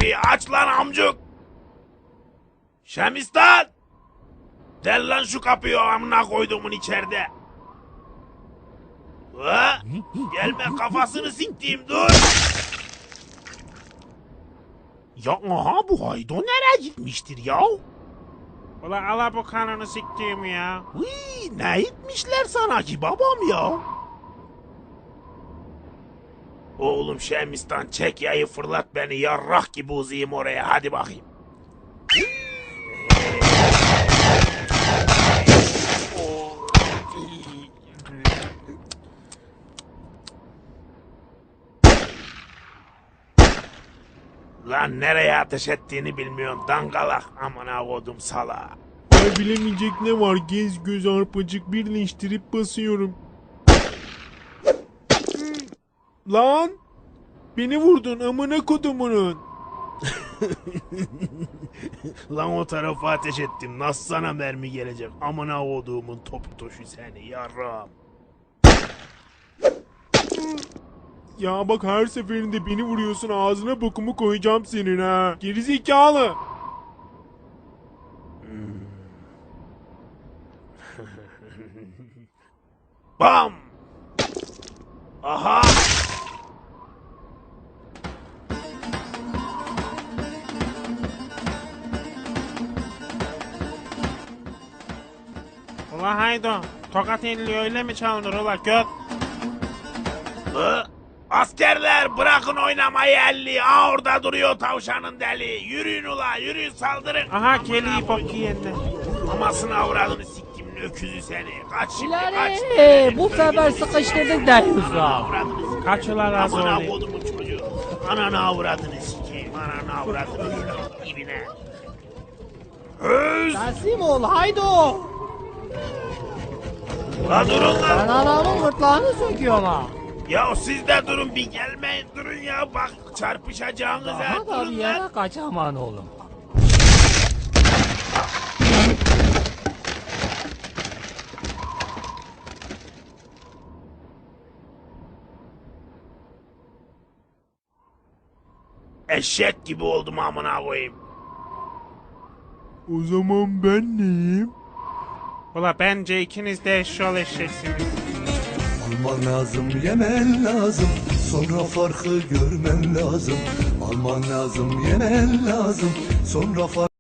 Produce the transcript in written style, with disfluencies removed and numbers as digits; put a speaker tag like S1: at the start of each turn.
S1: kapıyı aç lan amcuk. Şemistan. Del lan şu kapıyı amına koyduğumun içeride. Ha? Gelme kafasını siktiğim dur. Ya aha bu Haydo nereye gitmiştir ya?
S2: Ula ala bu kanını siktiğim ya.
S1: Hıy, ne etmişler sana ki babam ya? Oğlum Şemistan çek yayı fırlat beni yarrak gibi uzayım oraya hadi bakayım. Lan nereye ateş ettiğini bilmiyorsun dangalak amına kodum sala.
S3: Ay bilemeyecek ne var, gez göz arpacık birleştirip basıyorum. Lan! Beni vurdun amına kodumunun.
S1: Lan o tarafa ateş ettim nasıl sana mermi gelecek amına koduğumun topu toşu seni yarram.
S3: Ya bak her seferinde beni vuruyorsun, ağzına bokumu koyacağım senin ha. Gerizekalı.
S1: Bam! Aha!
S2: Ula Haydo. Tokat elli öyle mi çalınır ula göt?
S1: Askerler bırakın oynamayı elli. Aa orada duruyor tavşanın deli. Yürüyün ula yürüyün saldırın.
S2: Aha geliyor bok yiyenler.
S1: Amasını avradını siktim öküzü seni. Kaç şimdi kaç.
S4: İleri bu sefer sıkıştırdık deyiyorsun.
S1: Avradını
S2: Kaç ula razı
S1: amına
S2: olayım.
S1: kodumun çocuğu. Ananı avradını sikeyim. Ananı avradını ibine. Öz!
S4: Teslim ol haydo.
S1: La durun
S4: Ben
S1: lan.
S4: anamın gırtlağını söküyorum ha.
S1: Ya siz de durun bir gelmeyin durun ya bak çarpışacağınız ha
S4: Daha da bir
S1: durun lan.
S4: yere kaçaman oğlum.
S1: Eşek gibi oldum amına koyayım.
S3: O zaman ben neyim?
S2: Ula bence ikiniz de eşşol eşeksiniz.
S5: Alman lazım, yemen lazım. Sonra farkı görmen lazım. Alman lazım, yemen lazım. Sonra farkı